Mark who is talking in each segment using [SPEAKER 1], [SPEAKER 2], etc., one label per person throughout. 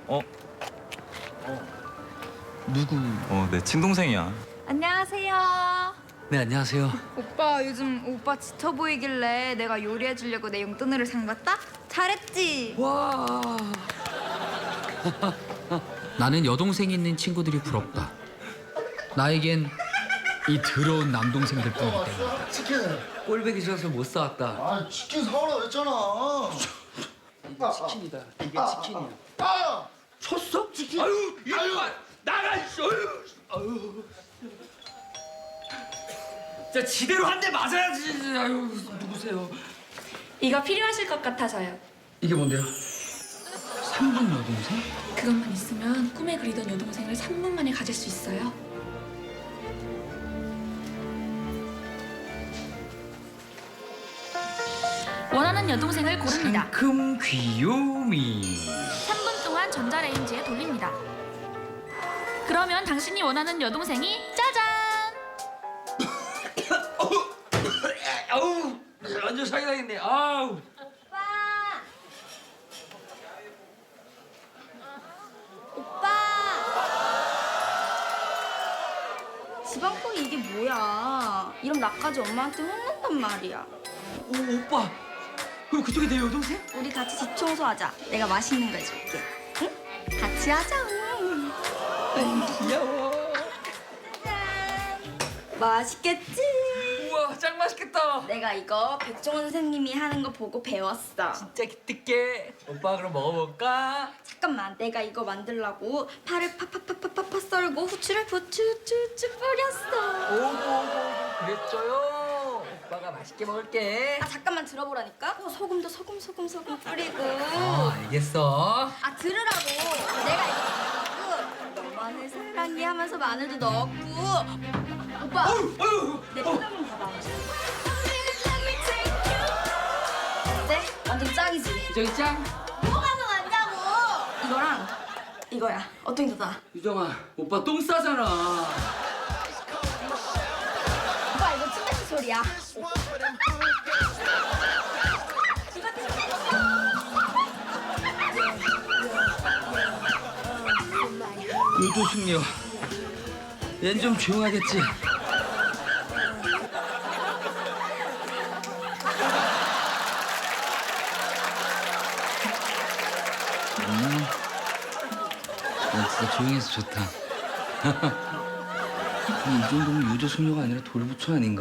[SPEAKER 1] 어?
[SPEAKER 2] 누구?
[SPEAKER 1] 내 친동생이야.
[SPEAKER 3] 안녕하세요.
[SPEAKER 2] 네, 안녕하세요.
[SPEAKER 3] 오빠 요즘 오빠 지쳐 보이길래 내가 요리해 주려고 내 용돈으로 산 거다? 잘했지?
[SPEAKER 2] 와. 나는 여동생이 있는 친구들이 부럽다. 나에겐 이 더러운 남동생들 뿐이기 때문이다.
[SPEAKER 4] 치킨.
[SPEAKER 2] 꼴배기 싫어서 못 사왔다.
[SPEAKER 4] 아 치킨 사오라고 했잖아.
[SPEAKER 2] 이게 치킨이다. 이게 치킨이야.
[SPEAKER 4] 아!
[SPEAKER 2] 쳤어?
[SPEAKER 4] 치킨.
[SPEAKER 2] 아유, 이놈아 나가 있어. 아유. 자, 지대로 한 대 맞아야지. 아유, 누구세요?
[SPEAKER 5] 이거 필요하실 것 같아서요.
[SPEAKER 2] 이게 뭔데요? 3분 여동생?
[SPEAKER 5] 그것만 있으면 꿈에 그리던 여동생을 3분 만에 가질 수 있어요. 원하는 여동생을 고릅니다.
[SPEAKER 2] 상큼 귀요미.
[SPEAKER 5] 3분 동안 전자레인지에 돌립니다. 그러면 당신이 원하는 여동생이 짜잔!
[SPEAKER 2] 아우, 완전 사기당했네. 아우.
[SPEAKER 3] 오빠! 지방콩이 이게 뭐야? 이럼 나까지 엄마한테 혼난단 말이야.
[SPEAKER 2] 오빠. 그럼 그쪽이 내 여동생?
[SPEAKER 3] 우리 같이 집 청소하자. 내가 맛있는 거 해줄게. 응? 같이 하자.
[SPEAKER 2] 귀여워.
[SPEAKER 3] 맛있겠지?
[SPEAKER 2] 우와, 짱 맛있겠다.
[SPEAKER 3] 내가 이거 백종원 선생님이 하는 거 보고 배웠어.
[SPEAKER 2] 진짜 기특해. 오빠 그럼 먹어볼까?
[SPEAKER 3] 잠깐만, 내가 이거 만들려고 파를 파파파파파 썰고 후추를 부추추추 뿌렸어.
[SPEAKER 2] 오고 그랬죠요. 오빠가 맛있게 먹을게.
[SPEAKER 3] 아 잠깐만 들어보라니까. 소금도 소금 뿌리고.
[SPEAKER 2] 알겠어.
[SPEAKER 3] 아 들으라고. 내가 이거 넣고 너만을 사랑해 하면서 마늘도 넣었고. 오빠, 내 표정 좀 봐봐. 어때? 완전 짱이지?
[SPEAKER 2] 유정이 짱.
[SPEAKER 3] 뭐가 더 낫냐고. 이거랑 이거야. 어떤 게 더 나아?
[SPEAKER 2] 유정아, 오빠 똥 싸잖아.
[SPEAKER 3] 오빠 이거 침뱉는 소리야.
[SPEAKER 2] 유도숙녀. 얜 좀 조용하겠지. 난 진짜 조용해서 좋다. 이 정도면 유도숙녀가 아니라 돌부처 아닌가?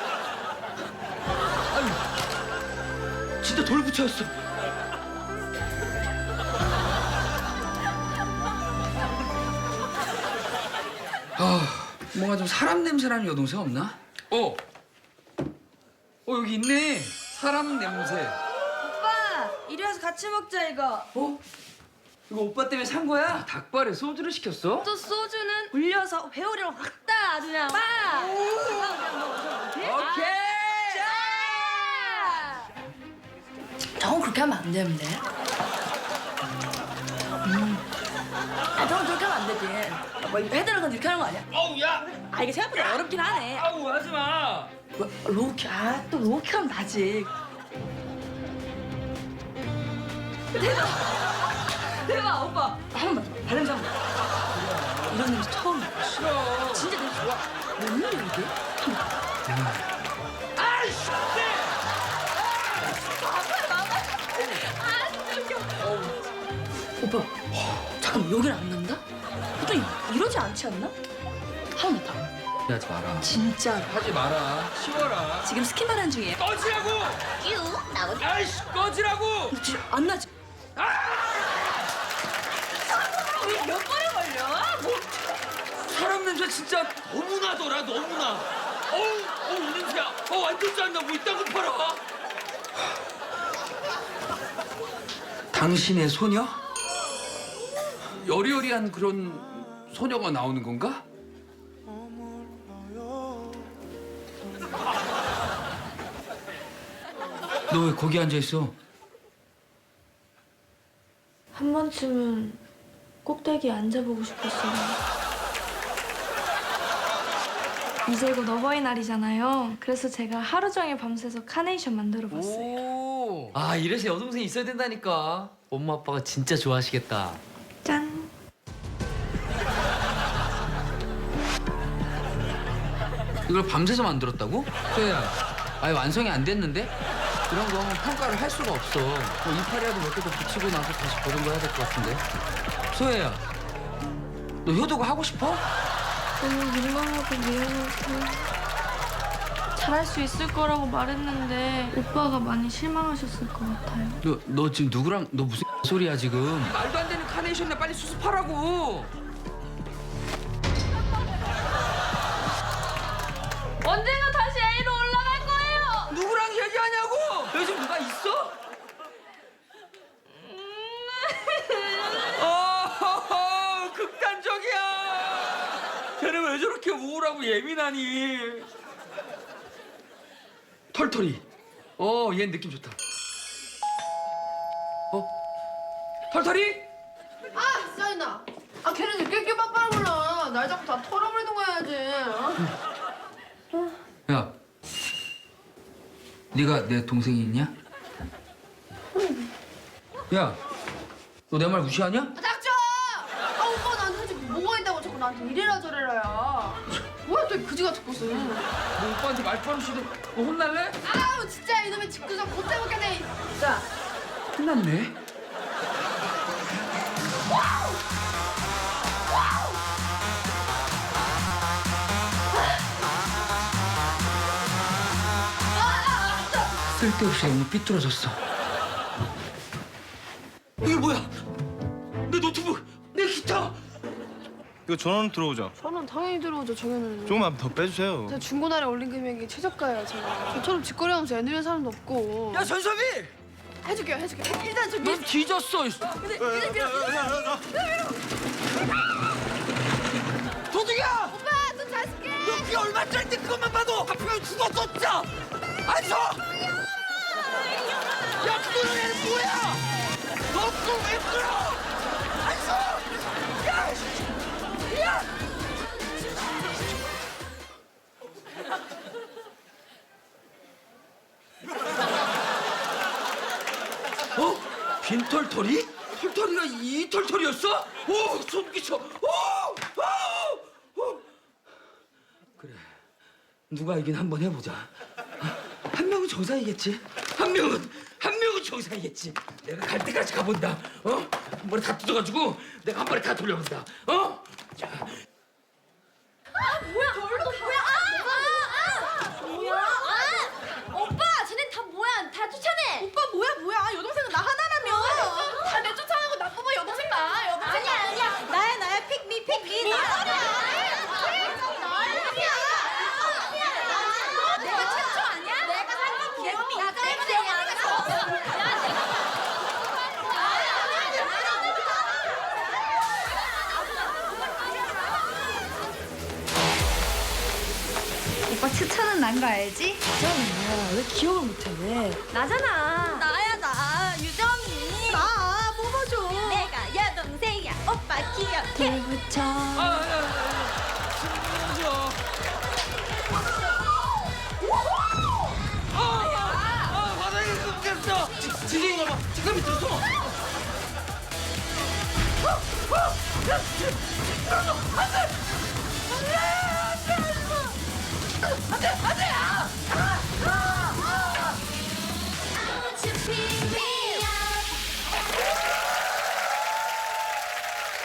[SPEAKER 2] 아유, 진짜 돌부처였어. 뭔가 좀 사람 냄새 나는 여동생 없나? 여기 있네. 사람 냄새.
[SPEAKER 3] 오빠 이리 와서 같이 먹자 이거.
[SPEAKER 2] 이거 오빠 때문에 산 거야? 닭발에 소주를 시켰어?
[SPEAKER 3] 또 소주는 불려서 회오리랑 확다 아주 그냥 빠.
[SPEAKER 2] 오케이.
[SPEAKER 5] 저건 그렇게 하면 안 되는데.
[SPEAKER 3] 저건 그렇게 하면 안 되지. 뭐 해달라고 이렇게 하는 거 아니야?
[SPEAKER 2] 어우, 야.
[SPEAKER 3] 아 이게 생각보다 어렵긴 하네.
[SPEAKER 2] 아우, 하지 마.
[SPEAKER 3] 로우키 또 로우키 하면 나지. 대박 오빠 한 번만 더 발냄새 한번. 이런 냄새 처음 나.
[SPEAKER 2] 싫어.
[SPEAKER 3] 진짜 냄새 좋아. 웬일이야 이게?
[SPEAKER 2] 아이씨.
[SPEAKER 3] 오빠 잠깐 여기는 안 난다? 보통 이러지 않지 않나? 하나만 더.
[SPEAKER 2] 하지 마라.
[SPEAKER 3] 진짜
[SPEAKER 2] 하지 마라. 쉬워라.
[SPEAKER 3] 지금 스킨바람 중이에요.
[SPEAKER 2] 꺼지라고.
[SPEAKER 3] 뀨 나오지?
[SPEAKER 2] 아이씨, 꺼지라고.
[SPEAKER 3] 진짜 안 나지? 몇 번에 걸려?
[SPEAKER 2] 사람 냄새 진짜 너무나더라, 너무나. 어우, 냄새야. 완전 짠다. 뭐 이딴 거 팔아. 당신의 소녀? 여리여리한 그런 소녀가 나오는 건가? 너 왜 거기 앉아 있어?
[SPEAKER 5] 한 번쯤은 꼭대기에 앉아보고 싶었어요. 이제 곧 어버이날이잖아요. 그래서 제가 하루 종일 밤새서 카네이션 만들어봤어요.
[SPEAKER 6] 아, 이래서 여동생 있어야 된다니까. 엄마 아빠가 진짜 좋아하시겠다.
[SPEAKER 5] 짠.
[SPEAKER 2] 이걸 밤새서 만들었다고? 소혜야, 아예 완성이 안 됐는데? 이런 거 평가를 할 수가 없어. 뭐 이파리라도 몇 개 더 붙이고 나서 다시 보정도 해야 될 것 같은데. 소혜야, 너 효도가 하고 싶어?
[SPEAKER 5] 너무 민망하고 미안해서 잘할 수 있을 거라고 말했는데 오빠가 많이 실망하셨을 것 같아요.
[SPEAKER 2] 너 지금 누구랑 너 무슨 소리야 지금? 말도 안 되는 카네이션이나 빨리 수습하라고.
[SPEAKER 5] 언젠가 다시 A로 올라갈 거예요.
[SPEAKER 2] 누구랑 얘기하냐고? 요즘 누가 있어? 극단적이야. 쟤는 왜 저렇게 우울하고 예민하니? 털털이. 얘 느낌 좋다. 털털이?
[SPEAKER 1] 아, 사인아. 아, 걔는 늦게 빡빡하구나. 날 자꾸 다 털어버리는 거 해야지. 어?
[SPEAKER 2] 야, 네가 내 동생이 있냐? 야, 너 내 말 무시하냐?
[SPEAKER 1] 아, 닥쳐! 아, 오빠 나한테 솔직히 뭐가 있다고 자꾸 나한테 이래라 저래라야. 뭐야, 또 그지 같은 것을.
[SPEAKER 2] 너 오빠한테 말버릇이도 너 혼날래?
[SPEAKER 1] 아우, 진짜 이놈의 집구석 못 해먹겠네. 자,
[SPEAKER 2] 혼났네. 쓸데없이 너무 삐뚤어졌어. 이게 뭐야? 내 노트북, 내 기타.
[SPEAKER 6] 이거 전원 들어오죠?
[SPEAKER 1] 저는 당연히 들어오죠, 정현우는.
[SPEAKER 6] 조금만 더 빼주세요.
[SPEAKER 1] 제가 중고날에 올린 금액이 최저가예요, 제가. 저처럼 직거래하면서 애누리는 사람도 없고.
[SPEAKER 2] 야 전섭이,
[SPEAKER 1] 해줄게요. 일단 저
[SPEAKER 2] 넌 뒤졌어. 도둑이야!
[SPEAKER 1] 오빠, 돈잘 쓸게.
[SPEAKER 2] 너 그게 얼마짜리인데 그것만 봐도 하필 죽었어 진짜. 안 서! 야 그거는 얘는 뭐야? 너 그걸 왜 끌어? 안 서! 야! 야! 빈털털이? 털털이가 이 털털이였어? 오, 소름 끼쳐. 오! 그래, 누가 이긴 한번 해보자. 한 명은 정상이겠지. 한 명은 정상이겠지. 내가 갈 때까지 가본다. 머리 다 뜯어가지고 내가 한 번에 다 돌려본다. 자,
[SPEAKER 3] 뭐야? 오빠, 쟤네 다 뭐야? 다 쫓아내.
[SPEAKER 1] 오빠 뭐야? 여동생은 나 하나라며. 다 내 쫓아가고 나 뽑아 여동생 나.
[SPEAKER 3] 아니야. 나야. 픽미. 나. 내가 최초 아니야? 내가 살면 귀여움이
[SPEAKER 7] 오빠 추천은 난 거 알지?
[SPEAKER 5] 왜 기억을 못해? 왜?
[SPEAKER 3] 나잖아. 나야. 유정이. 나 뽑아줘. 내가 여동생이야. 오빠 기억해.
[SPEAKER 5] 불붙여.
[SPEAKER 2] 바닥에 끊겼어. 지진인가 봐. 지금 밑으로 숨어. 안돼!